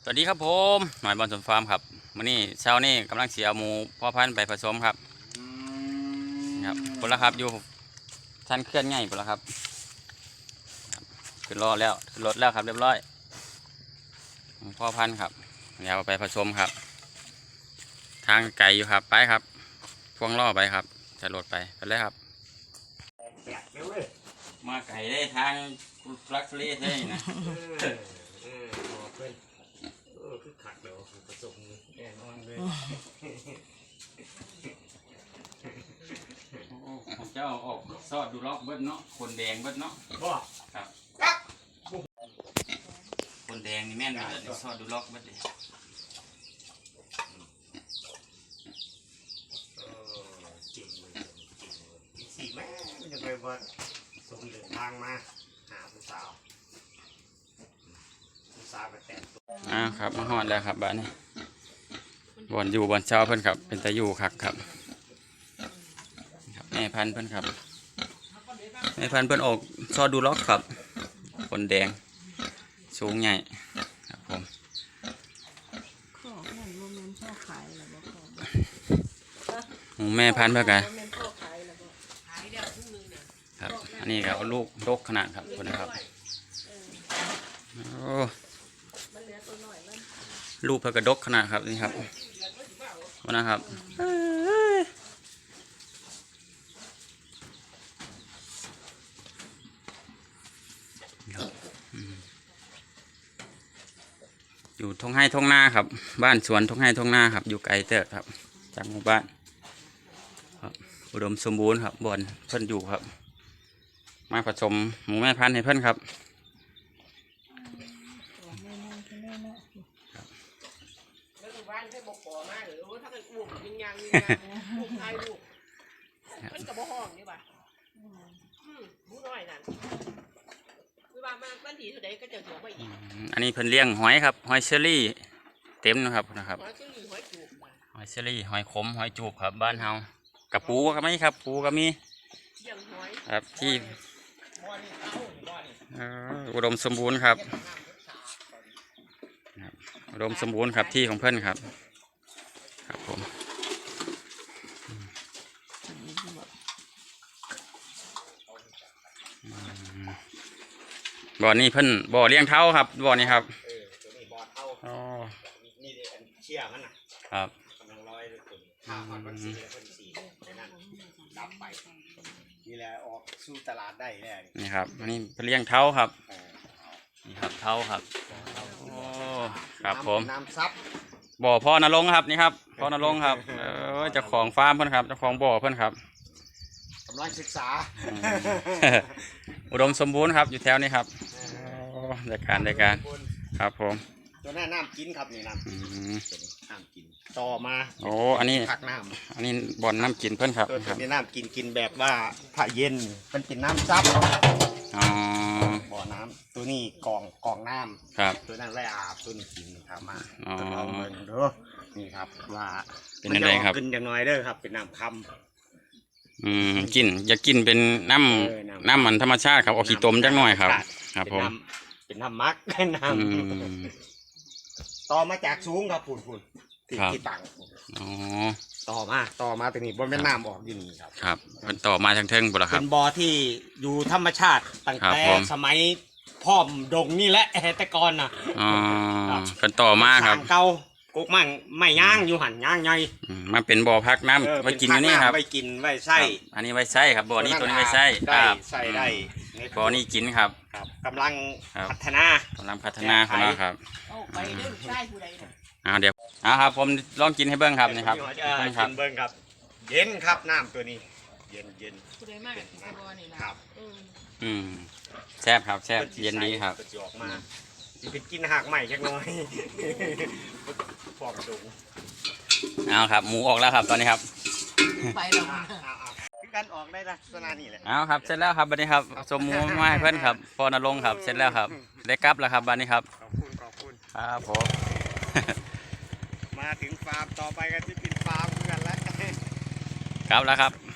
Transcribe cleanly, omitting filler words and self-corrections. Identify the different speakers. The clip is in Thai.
Speaker 1: วัสดีครับผมหน่อยบอลสวนฟาร์มครับวันนี้เช้านี้กำลังเสียหมูพ่อพันธุ์ไปผสมครับครับผลละครับอยู่ท่านเคลื่อนง่ายผลละครับขึ้นรอแล้วขึ้นรถแล้วครับเรียบร้อยพ่อพันธุ์ครับเดี๋ยวไปผสมครับทางไก่อยู่ครับไปครับพ่วงล่อไปครับจะรถไปเลยครับมาไก่ได้ทางฟลักฟรีใช่ไหมนะ
Speaker 2: คือขัดเดี๋ยวผสมแน่นอนเลย
Speaker 1: ของเจ้าออกซอสดูล็อกเบิดเนาะคนแดงเบิดเนาะครับคนแดงนี่แม่นเลยซอสดูล็อกเบิดเลย
Speaker 2: จริงเลยสีแม่มันจะไปว่าสมเดินทางมาหาผู้สาวไปแต่งตัว
Speaker 1: ครับมาฮอดแล้วครับบ้านนี้บ่อนอยู่บ่อนเช้าเพิ่นครับเป็นตะอยู่คักครับแม่พันธุ์เพิ่นครับแม่พันธุ์เพิ่นออกซอสดูล็อกครับคนแดงสูงใหญ่ครับผมแม่พันธุ์เพิ่นกันครับอันนี้ครับลูกดกขนาดครับคนนะครับโอ้ลูกเพิ่นกระดกขนาดครับนี่ครับวันนะครับอยู่ทงให้ทงนาครับบ้านสวนทงให้ทงนาครับอยู่ไกลเติบครับจากหมู่บ้านครับอุดมสมบูรณ์ครับบ่อนเพิ่นอยู่ครับมาผสมหมูแม่พันธุ์ให้เพิ่นครับ
Speaker 3: บ้านให้บอกขอมาหรือว่าถ้าเกิดอ้วกยังลูกชายลูกมันกับบ่ห้องนี่ป่ะมูน้อยนั่นคือว่ามาบ้านถีเท่าใดก็จะถือไปอีก
Speaker 1: อันนี้เพิ่นเลี้ยงหอยครับหอยเชอรี่เต็มนะครับ
Speaker 3: หอยเชอรี่หอยจูบ
Speaker 1: หอยเชอรี่หอยขมหอยจูบครับบ้านเฮากับปูก็มีครับปูก็มีครับที่อุดมสมบูรณ์ครับอุดมสมบูรณ์ครับที่ของเพื่อนครับครับผมบ่อนี้เพิ่นบ่อเลี้ยงเท้าครับบ่อนี้ครับ
Speaker 2: ตัวนี้บ่อเท้า
Speaker 1: อ๋อ
Speaker 2: นี่เชี่ยมันนะครับกำลังร้อยเลยคุณข้าวมันสีแล้วคนสีในนั้นดับไปนี่แหละออกสู่ตลาดได้แน่
Speaker 1: นี่ครับอันนี้เพิ่นเลี้ยงเท้าครับนี่ครับเท้าครับโอ้ครับผม
Speaker 2: น้ำซับ
Speaker 1: บ่อพ่อนรงค์ครับนี่ครับพ่อนรงค์ครับเจ้าของฟาร์มเพิ่นครับเจ้าของบ่อเพิ่นครับ
Speaker 2: กำลังศึกษา
Speaker 1: อุดมสมบูรณ์ครับอยู่แถวนี้ครับรายการครับผม
Speaker 2: ตัวนี้น้ำกินครับนี่น้ำกินต่อมา
Speaker 1: โอ้อันนี้
Speaker 2: ผักน้ำ
Speaker 1: อันนี้บ่อนน้ำกินเพิ่นครับ
Speaker 2: ตัวนี้น้ำกินแบบว่าถ้าเย็นมันเป็นน้ำซับบ่อน้ำตัวนี้กองน้ำ
Speaker 1: ครับ
Speaker 2: ตัวนั้นไว้อาบตัวนี้กินครับมาลองเบิ่งดูนี่ครับว่า
Speaker 1: เป็นอะไรครับ
Speaker 2: กินอย่างน้อยเด้อครับเป็นน้ำคำ
Speaker 1: กินอย่ากินเป็นน้ำมันธรรมชาติครับเอาขี้ต้มจักหน่อยครับครับผม
Speaker 2: เป็นน้ำมักน้ำต่อมาจากสูงครับฝุ่นที่ต่างต่อมาตัวนี้บนแม่น้ำออกอยู่นี่ครับ
Speaker 1: ครับมันต่อมาทางเทิงบ่ล่ะครับ
Speaker 2: เป็นบ่อที่อยู่ธรรมชาติตั้งแต่สมัยพ่อมดงนี่แหละแต่ก่อนนะ
Speaker 1: เป็นต่อมาครับ
Speaker 2: เก่ากุกมั่งไม่ย่างอยู่หันย่างไง
Speaker 1: มันเป็นบ่อพักน้ำไว้กินนี่ครับ
Speaker 2: ไว้กินไว้ใส่
Speaker 1: อันนี้ไว้ใส่ครับบ่อนี้ตัวนี้ไว้ใส่
Speaker 2: ใส่ได้
Speaker 1: บ่อนี้กินครับ
Speaker 2: กำลังพัฒนา
Speaker 1: ของเราครับ
Speaker 3: ไปเรื่องใช่ผู้ใด
Speaker 1: เดี๋ยวครับผมลองกินให้เบิ้งครับนี่ครับ
Speaker 2: กินเบิ้งครับเย็นครับน้ำตัวนี้เย็น
Speaker 3: ผู้ใดมากบ่อนี่
Speaker 2: ครับ
Speaker 1: แซ่บครับแซ่บเย็นดีครับ
Speaker 2: ออกมาจะกินหักใหม่จักน้อยฟอกดุ
Speaker 1: ครับหมูออกแล้วครับตอนนี้ครับ
Speaker 3: ไปแล้ว
Speaker 2: กันออกได้ลักษณะนี้แหละ
Speaker 1: ครับเสร็จแล้วครับบัดนี้ครับสมหมูมาให้เพื่อนครับพอนรงค์ครับเสร็จแล้วครับได้กลับแล้วครับบัดนี้ครับ
Speaker 2: ขอบคุณ
Speaker 1: ครับผม
Speaker 2: มาถึงฟาร์มต่อไปกันที่เป็นฟาร์มกันแล้ว
Speaker 1: ครับแล้วครับ